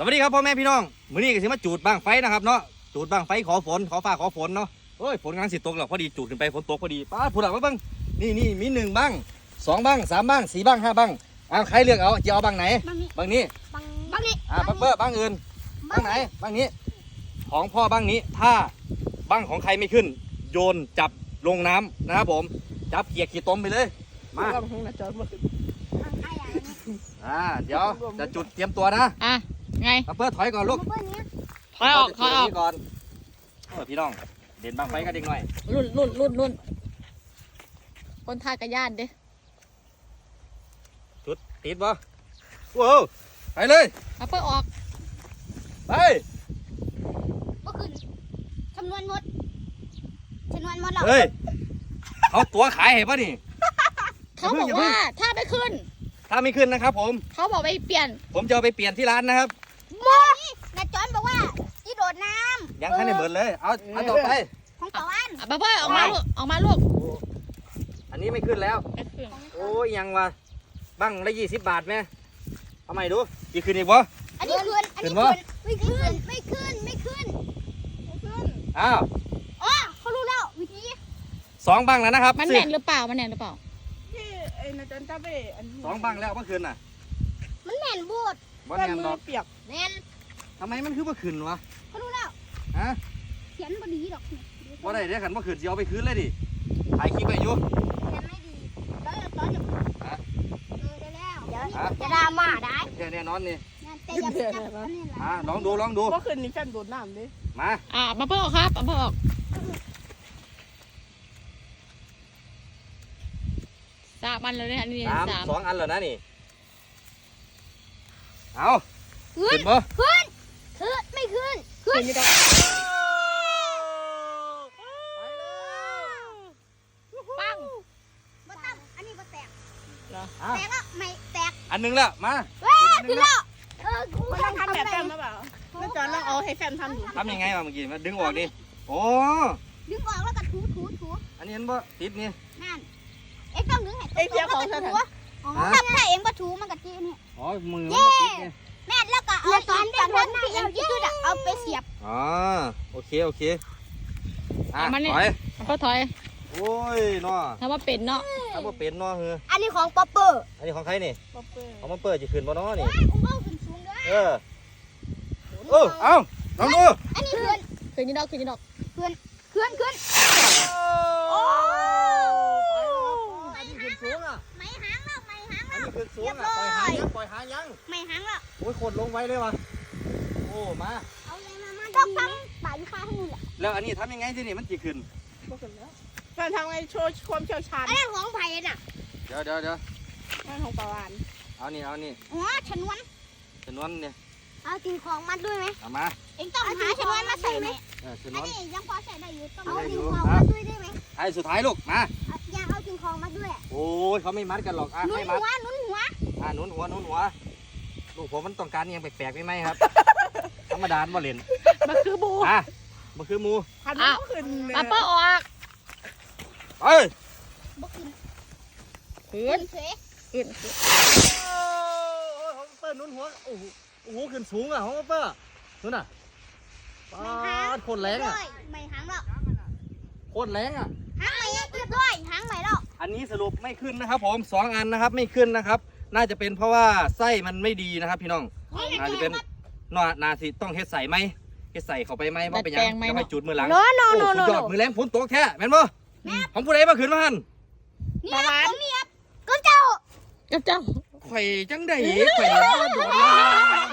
วัสดีครับพ่อแม่พี่น้องมื้อนี้ก็สิมาจูดบ้างไฟนะครับเนาะจูดบ้างไฟขอฝนขอฟ้าขอฝนเนาะเฮ้ยฝนกำลังสิตกแล้วพอดีจูดขึ้นไปฝนตกพอดีป้าผู้หลักมาบ้างนี่มี1บ้าง2บ้าง3บ้าง4บ้าง5บ้างใครเลือกเอาจะเอาบ้างไหนบ้างนี้บ้างนี้บังเบอร์บ้างอื่นบ้างไหนบ้างนี้ของพ่อบ้างนี้ถ้าบ้างของใครไม่ขึ้นโยนจับลงน้ำนะครับผมจับเกียกขี้ต้มไปเลยมาเดี๋ยวจะจุดเตรียมตัวนะไงเพื่อถอยก่อนลูกถอยออกก่อนพี่น้องเด่นบางไฟกันเด็กหน่อยรุ่นคนท่ากระยานดิจุดติดบ่ว้าวไปเลยเพื่อออกไปก็คือจำนวนหมดเราเฮ้ยเขาตัวขายเห็นป่ะนี่เขาบอกว่าถ้าไม่ขึ้นนะครับผมเขาบอกไปเปลี่ยนผมจะเอาไปเปลี่ยนที่ร้านนะครับนี่นาจอนบอกว่าที่โดดน้ำยังแค่ในเหมือนเลยเอาต่อไปของต่อวันบ้าออกมาลูกอันนี้ไม่ขึ้นแล้วโอ้ยยังวะบังละ20 บาทไหมทำไมดูอีกขึ้นอีกวะอันนี้ขึ้นไม่ขึ้นอ้าวอ๋อเขารู้แล้ววิธี 2บังแล้วนะครับมันแน่นหรือเปล่าที่ไอ้นาจันจ้าไป 2บังแล้วเมื่อคืนน่ะมันแน่นบูดบ่แน่นดอกเปียกแน่นทำไมมันคือเมื่อคืนวะเขารู้แล้วเขียนบดีดอกบ่ได้เดี๋ยวขันเมื่อคืนจะเอาไปคืนเลยดิถ่ายคลิปไปอยู่เขียนไม่ดีตอนจะได้แล้วเดี๋ยวจะดราม่าได้แน่นอนนี่แต่อย่าจับอันนี้ละลองดูเมื่อคืนนี้แฟนโดดน้ำดิมาเพื่อออกครับเพื่อออก3 อันเลยเนี่ยนี่ 2 อันแล้วนะนี่เอาขึ้นบ่ไม่ขึ้นปังบ่ตั้มอันนี้บ่แตกแล้วไม่แตกอันนึงแล้วมาขึ้นแล้วมันต้องทำแบบแฟนหรือเปล่านาจันต้องเอาให้แฟนทำอยู่ทำยังไงวะเมื่อกี้มาดึงออกดิโอ้ดึงออกแล้วก็ถูอันนี้เห็นบ่ติดนี่นั่นเอ็งต้องดึงให้ตรงแล้วก็ถูถ้าเอ็งบ่ถูมันก็จีนี่มือมันติดนี่แม่แล้วก็เอาตอนที่เอ็งยืดเอาไปเสียบโอเคถอยโอ้ยเนาะถ้าว่าเป็นเนาะอันนี้ของป๊อปเปอร์อันนี้ของใครนี่ของป๊อปเปอร์จะขึ้นบ่เนาะนี่เอาขึ้นสูงด้วยเอาลองดูอันนี้ขึ้นนี่ดอกขึ้นโอ้อันนี้ขึ้นสูงอ่ะไม่หางแล้วอันนี้ขึ้นสูงอ่ะปล่อยหางยังไม่หางแล้วโอ้ยโคตรลงไว้เลยวะโอ้มาเอาเลยมาต้องฟังป่าลูกค้าทั้งหมดแหละแล้วอันนี้ทำยังไงที่นี่มันจะขึ้นแฟนทำไงโชว์ความเชี่ยวชาญอันนี้ของไผ่น่ะเดี๋ยวนั่นของปลาวานเอานี่ชนวนเนี่ยเอาสิ่งของมัดด้วยไหมเอามาเอ็งต้องหาชนวนมาใส่ไหมอันนี้ยังพอใส่ได้อยู่ต้องเอาสิ่งของมาด้วยได้ไหมไอ้สุดท้ายลูกมาอยากเอาสิ่งของมาด้วยโอ้ยเขาไม่มัดกันหรอกหนุนหัวหนุนหัวลูกผมมันต้องการยังแปลกๆไหมครับธรรมดาบ่เล่นมันคือบูมันคือมูพันขึ้นเพื่อออกเอ้ยบ่ขึ้นโอ้ของเปิ้ลนุ่นหัวโอ้โหขึ้นสูงอ่ะของเปิ้ลนู่นน่ะโคตรแรงอ่ะไม่หางแล้วโคตรแรงอ่ะหางใหม่เรียบร้อยหางใหม่แล้วอันนี้สรุปไม่ขึ้นนะครับผม2 อันนะครับไม่ขึ้นนะครับน่าจะเป็นเพราะว่าไส้มันไม่ดีนะครับพี่น้องน่าจะเป็นนาสิต้องเฮ็ดใส่ไหมเฮ็ดใส่เข้าไปไหมว่าเป็นยังจะไม่จุดมือหลังสุดยอดมือแรงฝนตกแท้แม่นบ่ของผู้ใดมาขึ้นมาหันเนี่ยผมเนี่ยก็เจ้าข่อยจังได้ข่อยโดดลง